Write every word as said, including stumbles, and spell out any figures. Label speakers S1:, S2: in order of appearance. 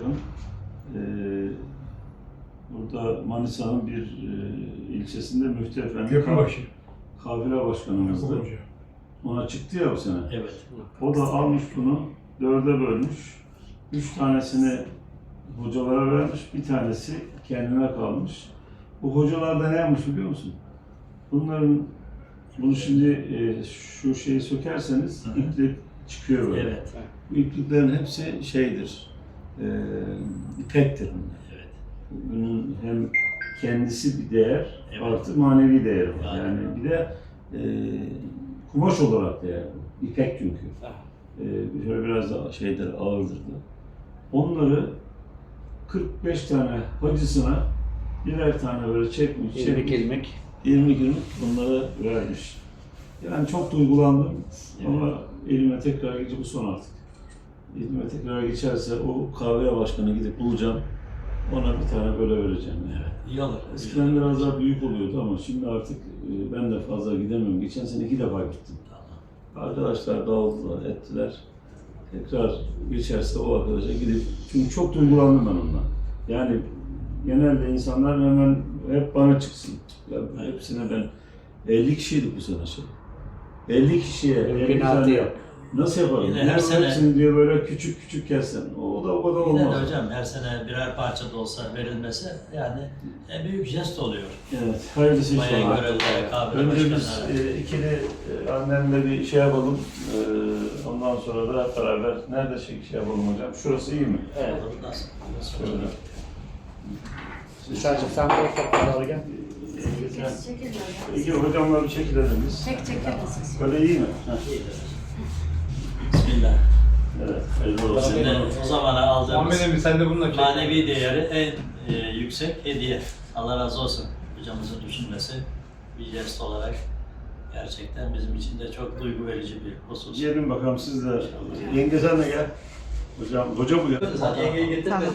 S1: yakın. Ee, burada Manisa'nın bir e, ilçesinde Müftü Efendi
S2: Köprübaşı.
S1: kafile başkanımızdı.
S2: Hoca.
S1: Ona çıktı ya bu sene.
S3: Evet.
S1: O da almış bunu, dörde bölmüş. Üç tanesini hocalara vermiş, bir tanesi kendine kalmış. Bu hocalar da ne yapmış biliyor musun? Bunların, bunu şimdi e, şu şeyi sökerseniz iplik çıkıyor böyle.
S3: Evet.
S1: Bu ipliklerin hepsi şeydir, e, ipektir bunlar.
S3: Evet.
S1: Bunun hem kendisi bir değer,
S3: Evet.
S1: artı manevi değeri var.
S3: Yani.
S1: Yani bir de e, kumaş olarak değer bu. İpek çünkü. E, şöyle biraz da şeydir, ağırdır da. Onları kırk beş tane hacısına birer tane böyle çekmiş,
S4: İlmek
S1: çekmiş.
S4: ilmek.
S1: yirmi günlük bunlara vermiş. Yani çok duygulandım
S3: Evet.
S1: ama elime tekrar geçecek, bu son artık. Elime tekrar geçerse o kahve başkanı gidip bulacağım. Ona bir tane böyle vereceğim. Yani.
S3: Evet. İyi olur.
S1: Eskiden biraz daha büyük oluyordu ama şimdi artık e, ben de fazla gidemiyorum. Geçen sene iki defa gittim.
S3: Tamam.
S1: Arkadaşlar dağıldılar, ettiler. Tekrar geçerse o arkadaşa gidip, çünkü çok duygulandım ben ondan. Yani genelde insanlar hemen hep bana çıksın. Ya hepsine ben elli kişiydik bu sene şey. elli kişiye elli
S4: Mümkünatı
S1: tane
S4: yok.
S1: nasıl yaparım?
S3: Yine
S1: Yine
S3: her sene-
S1: hepsini diyor böyle küçük küçük kessen. O da o kadar
S3: Yine de
S1: olmaz.
S3: hocam her sene birer parça da olsa verilmesi yani en büyük jest oluyor.
S1: Evet, hayırlısı
S3: Bayağı
S1: inşallah.
S3: görevler, kahve
S1: Önce biz
S3: başkanları.
S1: e, ikili e, annemle bir şey yapalım. E, ondan sonra da hep beraber nerede şey, şey yapalım hocam? Şurası iyi mi?
S4: Evet.
S3: Olur, nasıl? Nasıl
S1: Şöyle.
S3: olur?
S4: Sadece sen de o topları gel.
S5: Çekil böyle.
S1: İki hocamla bir çekilelim biz.
S5: Çek çekelim siz.
S1: Böyle iyi mi? Heh.
S3: İyidir. Bismillah.
S1: Evet, hayırlı olsun.
S3: Şimdi o zamana aldığımız
S2: Muhammed Emin sen de bununla çek.
S3: manevi değeri en e, yüksek hediye. Allah razı olsun. Hocamızın düşünmesi bir jest olarak gerçekten bizim için de çok duygu verici bir husus.
S1: Gelin bakalım siz de. Yenge sen de gel. Hocam, hoca bu ya.
S3: Zaten yengeyi getirmedik.